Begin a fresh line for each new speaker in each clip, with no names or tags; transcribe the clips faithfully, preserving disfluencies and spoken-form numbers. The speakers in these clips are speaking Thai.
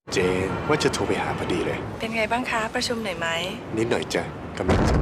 เจนว่าจะโทรไปหาพอดีเลย
เป็นไงบ้างคะประชุมเหนื่อยไหม
นิดหน่อยจ้ะกำลังจะ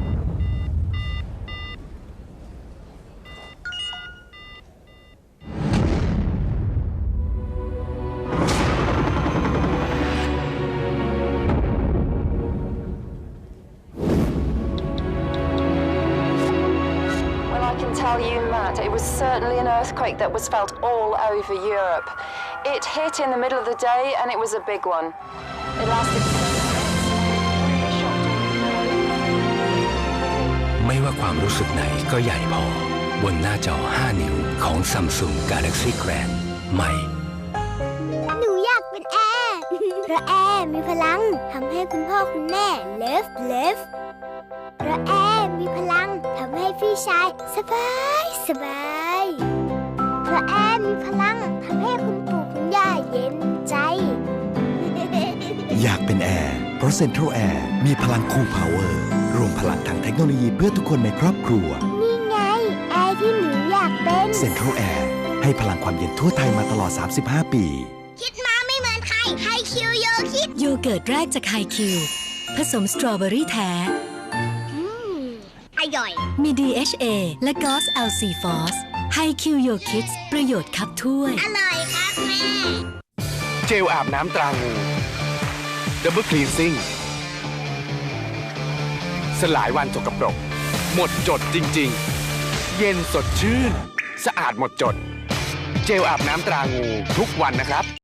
Well, I can tell you, Matt, it was certainly an earthquake that was felt all over Europe. It hit in the middle of the day, and it was a big one. It lasted.
ไม่ว่าความรู้สึกไหนก็ใหญ่พอบนหน้าจอ ห้า นิ้วของ Samsung Galaxy Grand ใหม่
หนูอยากเป็นแอร์เพราะแอร์มีพลังทำให้คุณพ่อคุณแม่เลิฟเลิฟเพราะแอร์มีพลังทำให้พี่ชายสบายสบายเพราะแอร์มีพลังทำให้คุณปู่คุณย่าเย็นใจ
อยากเป็นแอร์เพราะ Central Air มีพลัง Cool Power รวมพลังทางเทคโนโลยีเพื่อทุกคนในครอบครัว
นี่ไงแอร์ที่หนูอยากเป็น
Central Air ให้พลังความเย็นทั่วไทยมาตลอด สามสิบห้า ปี
คิดมาไม่เหมือนใครไฮคิวโยคิด
โยเกิร์ตแรกจากไฮคิวผสมสตรอเบอรี่แท้
อร่อย
มี ดี เอช เอ และ จี โอ เอส แอล ซี ฟอส ไฮคิวโยคิดประโยชน์คับถ้วย
อร่อยครับแม่
เจลอาบน้ำตรางูดับเบิลคลีนซิ่งสลายวันสกปรกหมดจดจริงๆเย็นสดชื่นสะอาดหมดจดเจลอาบน้ำตรางูทุกวันนะครับ